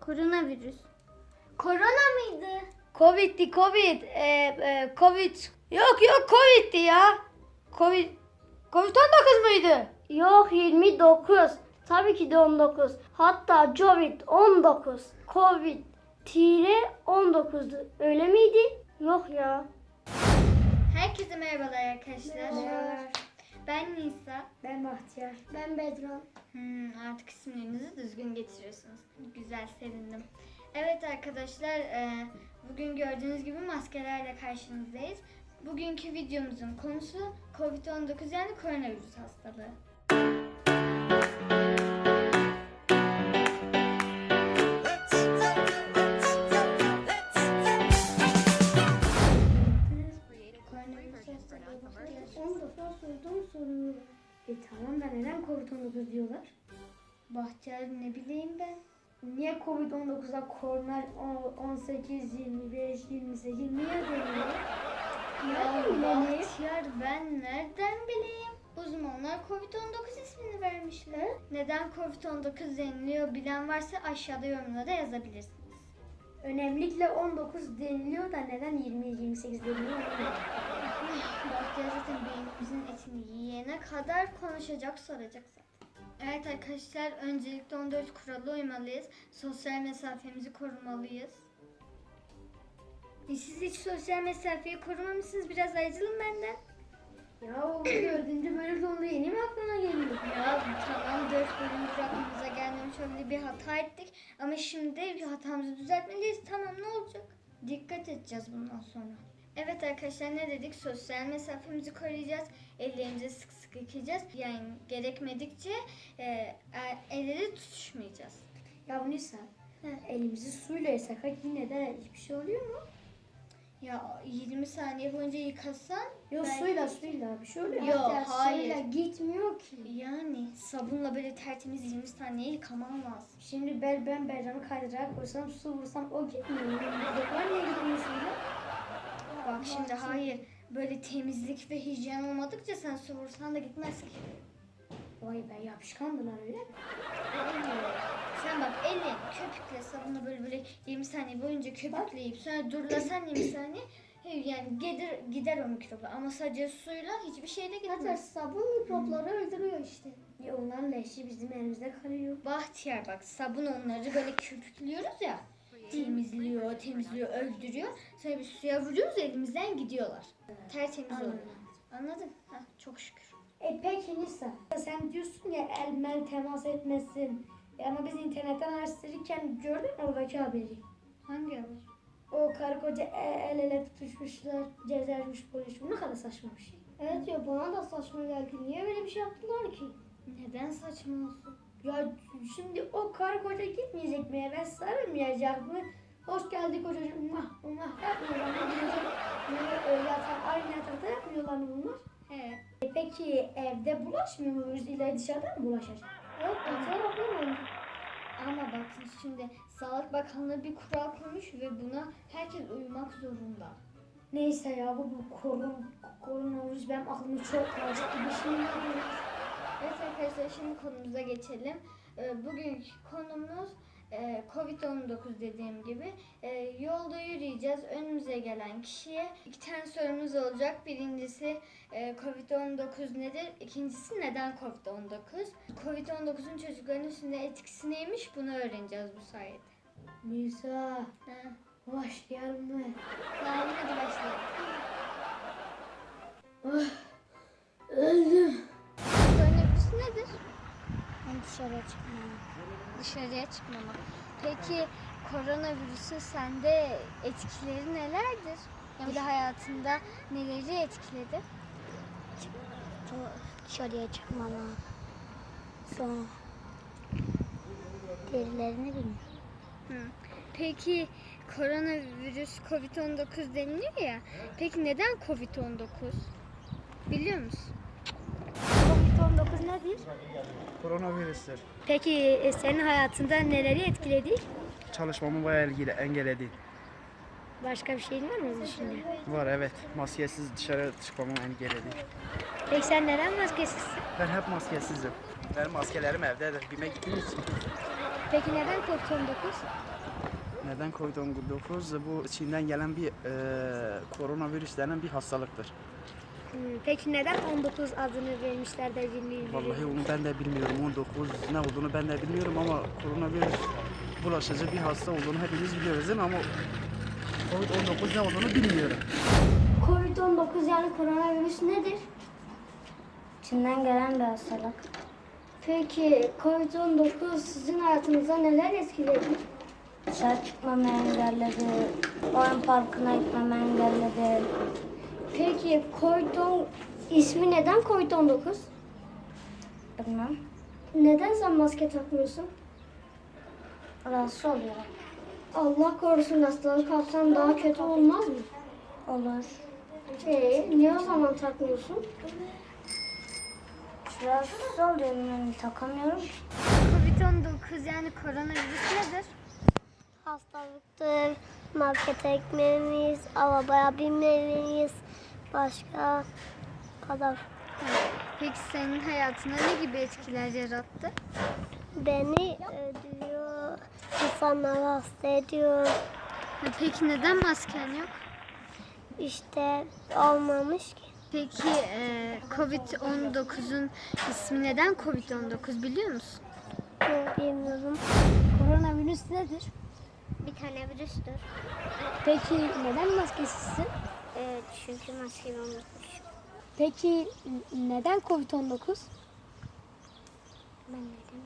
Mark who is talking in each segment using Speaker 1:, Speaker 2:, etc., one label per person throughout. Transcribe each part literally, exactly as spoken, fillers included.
Speaker 1: Koronavirüs. Korona mıydı?
Speaker 2: Covid'di Covid. Ee, e, Covid. Yok yok Covid'di ya. Covid. Covid on dokuz muydu?
Speaker 1: Yok yirmi dokuz. Tabii ki de on dokuz. Hatta Covid on dokuz. Covid tire on dokuzdu. Öyle miydi? Yok ya.
Speaker 3: Herkese merhabalar arkadaşlar.
Speaker 1: Merhabalar.
Speaker 3: Ben Nisa.
Speaker 2: Ben Bahtiyar.
Speaker 1: Ben Bedran.
Speaker 3: Hmm, artık isimlerinizi düzgün getiriyorsunuz. Güzel, sevindim. Evet arkadaşlar, e, bugün gördüğünüz gibi maskelerle karşınızdayız. Bugünkü videomuzun konusu Covid on dokuz yani koronavirüs hastalığı. Koronavirüs hastalığı.
Speaker 1: on defa sordum soruyu.
Speaker 2: E tamam da neden Covid on dokuz diyorlar?
Speaker 3: Bahtiyar ne bileyim ben.
Speaker 2: Niye Covid on dokuza korona on sekiz, yirmi beş, yirmi sekiz niye deniyor?
Speaker 3: Ya
Speaker 2: bileyim?
Speaker 3: Bahtiyar ben nereden bileyim? Uzmanlar Covid on dokuz ismini vermişler. Neden Covid on dokuz deniliyor bilen varsa aşağıda yorumlara yazabilirsiniz.
Speaker 2: Önemlikle on dokuz deniliyor da neden yirmi yirmi sekiz deniliyor?
Speaker 3: Bahtiyar zaten beynimizin etini yiyene kadar konuşacak, soracak zaten. Evet arkadaşlar, öncelikle on dört kurala uymalıyız. Sosyal mesafemizi korumalıyız. E siz hiç sosyal mesafeyi korumamışsınız, biraz ayrılın benden.
Speaker 2: Ya o dördüncü bölüm sonunda yeni mi aklına geliyor?
Speaker 3: Ya tamam, dört bölümümüz aklımıza gelmemiş, öyle bir hata ettik. Ama şimdi hatamızı düzeltmeliyiz. Tamam, ne olacak? Dikkat edeceğiz bundan sonra. Evet arkadaşlar, ne dedik? Sosyal mesafemizi koruyacağız. Ellerimizi sık sık yıkayacağız. Yani gerekmedikçe e, e, elleri tutuşmayacağız.
Speaker 2: Ya bu Nisa,
Speaker 3: He.
Speaker 2: elimizi suyla yıkasak yine de hiçbir şey oluyor mu?
Speaker 3: Ya yirmi saniye boyunca yıkasan
Speaker 2: Yok
Speaker 3: belki-
Speaker 2: suyla suyla bir şey oluyor mu?
Speaker 3: Yok,
Speaker 2: Ya
Speaker 3: hayır.
Speaker 2: Suyla gitmiyor ki.
Speaker 3: yani sabunla böyle tertemiz yirmi saniye yıkaman lazım.
Speaker 2: Şimdi ben, ben Bercan'ı kaydırarak koysam su vursam o gitmiyor. Yoklar niye gitmiyor suyla?
Speaker 3: Bak şimdi hayır, böyle temizlik ve hijyen olmadıkça sen su vursan da gitmez ki.
Speaker 2: Vay be yapışkandılar öyle mi?
Speaker 3: Hayır. Sen bak elin köpükle sabunla böyle böyle yirmi saniye boyunca köpükleyip sonra durlasan yirmi saniye yani gider, gider o mikroplar ama sadece suyla hiçbir şeyle
Speaker 1: Zaten
Speaker 3: gitmez.
Speaker 1: sabun mikropları öldürüyor işte.
Speaker 2: Ya onların leşi bizim elimizde kalıyor.
Speaker 3: Bahtiyar bak, sabun onları böyle köpüklüyoruz ya, temizliyor, temizliyor, öldürüyor. Sonra bir suya vuruyoruz, elimizden gidiyorlar. Tertemiz oluyor. Anladın? Heh, çok şükür.
Speaker 2: E peki Nisa, sen diyorsun ya el mel temas etmesin. E ama biz internetten araştırırken gördün mü oradaki haberi?
Speaker 3: Hangi haber?
Speaker 2: O karı koca el, el ele tutuşmuşlar, cezermiş polis. Bu ne kadar saçma bir şey.
Speaker 1: Evet ya, bana da saçma geldi. Niye böyle bir şey yaptılar ki?
Speaker 3: Neden saçma olsun?
Speaker 2: Ya şimdi o karı koca gitmeyecek mi eve, sarılmayacak mı? Hoş geldik kocacığım, mah mah yapmıyorlar mı? Gidecek böyle e, yatan, aynı yatakta yapmıyorlar mı bunlar?
Speaker 3: He.
Speaker 2: E peki evde bulaşmıyor mu? İlla dışarıda mı bulaşacak?
Speaker 1: Yok, yeter yapamam.
Speaker 3: Ama bakın şimdi Sağlık Bakanlığı bir kural koymuş ve buna herkes uymak zorunda.
Speaker 2: Neyse ya bu, bu korun, koronavirüs benim aklımı çok karıştı. Bir şey mi?
Speaker 3: Evet arkadaşlar, şimdi konumuza geçelim. Ee, bugünkü konumuz e, Covid on dokuz dediğim gibi. E, yolda yürüyeceğiz. Önümüze gelen kişiye iki tane sorumuz olacak. Birincisi e, Covid on dokuz nedir? İkincisi neden Covid on dokuz? Covid on dokuzun çocukların üstünde etkisi neymiş? Bunu öğreneceğiz bu sayede.
Speaker 2: Nisa,
Speaker 3: Ha.
Speaker 2: başlayalım mı?
Speaker 3: Tamam, hadi başlayalım.
Speaker 2: Öldüm.
Speaker 3: Koronavirüs nedir?
Speaker 1: Ben dışarıya çıkmam.
Speaker 3: Dışarıya çıkmamak. Peki koronavirüsün sende etkileri nelerdir? Yani hayatında neleri etkiledi?
Speaker 1: Dışarıya çıkmama. Sonra derilerini bilmiyorum.
Speaker 3: Hı. Peki koronavirüs Covid on dokuz deniliyor ya. Peki neden Covid on dokuz? Biliyor musun?
Speaker 1: Covid on dokuz nedir?
Speaker 4: Koronavirüstür.
Speaker 2: Peki e, senin hayatında neleri etkiledi?
Speaker 4: Çalışmamı bayağı ilgili engelledi.
Speaker 2: Başka bir şeyin var mı onun dışında?
Speaker 4: Var evet. Maskesiz dışarı çıkmamı engelledi.
Speaker 2: Peki sen neden maskesizsin?
Speaker 4: Ben hep maskesizim. Benim maskelerim evdedir. Bime gittiğim için.
Speaker 2: Peki neden Covid on dokuz?
Speaker 4: Neden Covid on dokuz? Bu Çin'den gelen bir e, koronavirüs denen bir hastalıktır.
Speaker 2: Hmm, Peki neden on dokuz adını vermişler de bilmiyorum.
Speaker 4: Vallahi onu ben de bilmiyorum. on dokuz ne olduğunu ben de bilmiyorum ama koronavirüs bulaşıcı bir hasta olduğunu hepimiz biliyoruz değil mi? Ama Covid on dokuz ne olduğunu bilmiyorum.
Speaker 1: Covid on dokuz yani koronavirüs nedir?
Speaker 5: Çin'den gelen bir hastalık.
Speaker 1: Peki Covid on dokuz sizin hayatınıza neler etkiledi?
Speaker 5: Dışarı çıkmamı engelledi. Oyun parkına gitmemi engelledi.
Speaker 1: Peki Covid on ismi neden Covid on dokuz?
Speaker 5: Bilmem.
Speaker 1: Neden sen maske takmıyorsun?
Speaker 5: Rahatsız oluyorum.
Speaker 1: Allah korusun hastalık kapsam daha kötü olmaz mı?
Speaker 5: Olur.
Speaker 1: Ee, niye o zaman takmıyorsun?
Speaker 5: Rahatsız oluyorum yani takamıyorum.
Speaker 3: Covid on dokuz yani koronavirüs nedir?
Speaker 1: Hastalıktır, markete gitmeliyiz, arabaya binmeliyiz, başka kadar.
Speaker 3: Peki senin hayatına ne gibi etkiler yarattı?
Speaker 1: Beni öldürüyor, insanları hasta ediyor.
Speaker 3: Peki neden masken yok?
Speaker 1: İşte olmamış ki.
Speaker 3: Peki e, Covid on dokuzun ismi neden Covid on dokuz biliyor musun?
Speaker 1: Bilmiyorum.
Speaker 2: Koronavirüs nedir?
Speaker 1: Bir tane virüstür.
Speaker 2: Peki neden maskesizsin?
Speaker 1: Ee, çünkü maskeyi unutmuş.
Speaker 2: Peki neden Covid on dokuz?
Speaker 1: Ben neden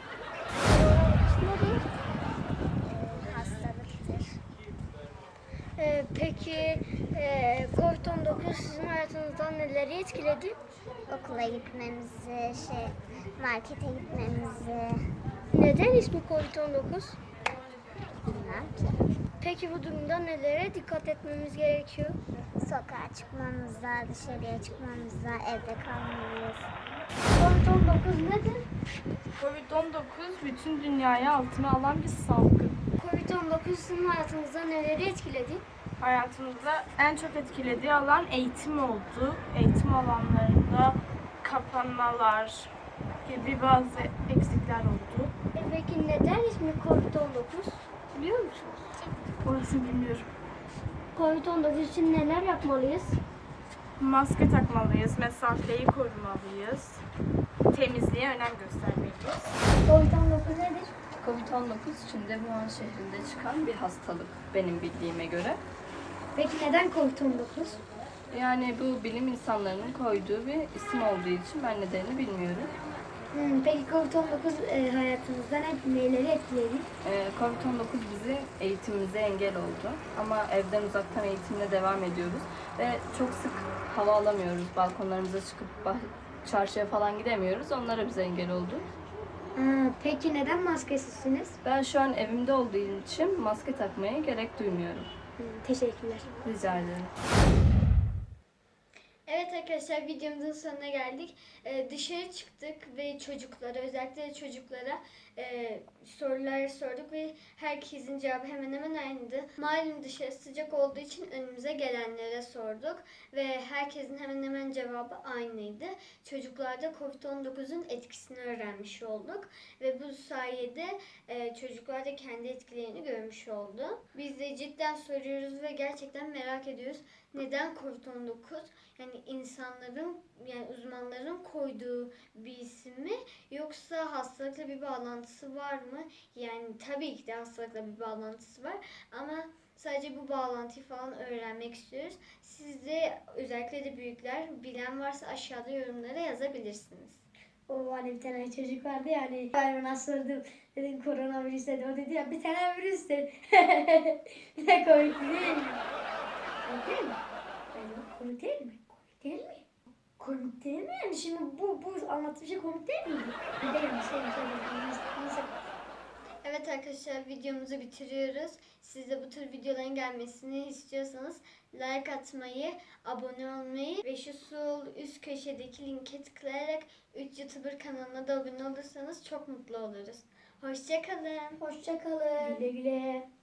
Speaker 5: Hastalıktır.
Speaker 1: Ee, peki e, Covid on dokuz sizin hayatınızdan neleri etkiledi?
Speaker 5: Okula gitmemizi, şey markete gitmemizi
Speaker 1: Neden ismi Covid on dokuz?
Speaker 5: bilmem ki.
Speaker 1: Peki bu durumda nelere dikkat etmemiz gerekiyor?
Speaker 5: Sokağa çıkmamıza, dışarıya çıkmamıza, evde kalmalıyız.
Speaker 1: Covid on dokuz nedir?
Speaker 6: Covid on dokuz bütün dünyayı altına alan bir salgın.
Speaker 1: Covid on dokuz sizin hayatınızda neleri etkiledi?
Speaker 6: Hayatımızda en çok etkilediği alan eğitim oldu. Eğitim alanlarında kapanmalar gibi bazı eksikler oldu.
Speaker 1: E peki neden ismi Covid on dokuz? Biliyor musunuz?
Speaker 6: Orasını bilmiyorum.
Speaker 1: Covid on dokuz için neler yapmalıyız?
Speaker 6: Maske takmalıyız, mesafeyi korumalıyız, temizliğe önem göstermeliyiz.
Speaker 1: Covid on dokuz nedir?
Speaker 7: Covid on dokuz Çin'de Wuhan şehrinde çıkan bir hastalık benim bildiğime göre.
Speaker 1: Peki neden Covid on dokuz?
Speaker 7: Yani bu bilim insanlarının koyduğu bir isim olduğu için ben nedenini bilmiyorum.
Speaker 1: Hmm, peki Covid on dokuz e, hayatınızda ne, neleri etkiledi?
Speaker 7: Ee, Covid on dokuz bizi eğitimimize engel oldu. Ama evden uzaktan eğitimle devam ediyoruz. Ve çok sık hava alamıyoruz. Balkonlarımıza çıkıp bah- çarşıya falan gidemiyoruz. Onlara bize engel oldu.
Speaker 1: Aa, peki neden maskesizsiniz?
Speaker 7: Ben şu an evimde olduğum için maske takmaya gerek duymuyorum.
Speaker 1: Hmm, teşekkürler.
Speaker 7: Rica ederim.
Speaker 3: Evet arkadaşlar videomuzun sonuna geldik. Ee, dışarı çıktık ve çocuklara özellikle de çocuklara e, sorular sorduk ve herkesin cevabı hemen hemen aynıydı. Malum dışarı sıcak olduğu için önümüze gelenlere sorduk ve herkesin hemen hemen cevabı aynıydı. Çocuklarda Covid on dokuzun etkisini öğrenmiş olduk ve bu sayede e, çocuklar da kendi etkilerini görmüş oldu. Biz de cidden soruyoruz ve gerçekten merak ediyoruz. Neden Covid on dokuz? Yani insanların yani uzmanların koyduğu bir isim mi yoksa hastalıkla bir bağlantısı var mı? Yani tabii ki de hastalıkla bir bağlantısı var ama sadece bu bağlantıyı falan öğrenmek istiyoruz. Siz de özellikle de büyükler bilen varsa aşağıda yorumlara yazabilirsiniz.
Speaker 2: O hani bir tane çocuk vardı ya hani ben ona sordum dedim koronavirüs dedi o dedi ya bir tane virüs dedi. Ne komik değil mi? Komik değil mi? Yani komik değil mi? Komik değil mi? Komik değil mi yani şimdi bu bu anlattığım şey komik değil mi? Değil mi? Şey, şey, şey.
Speaker 3: Evet arkadaşlar videomuzu bitiriyoruz. Siz de bu tür videoların gelmesini istiyorsanız like atmayı, abone olmayı ve şu sol üst köşedeki linke tıklayarak üç YouTuber kanalına da abone olursanız çok mutlu oluruz. Hoşça kalın.
Speaker 2: Hoşça kalın. Güle güle.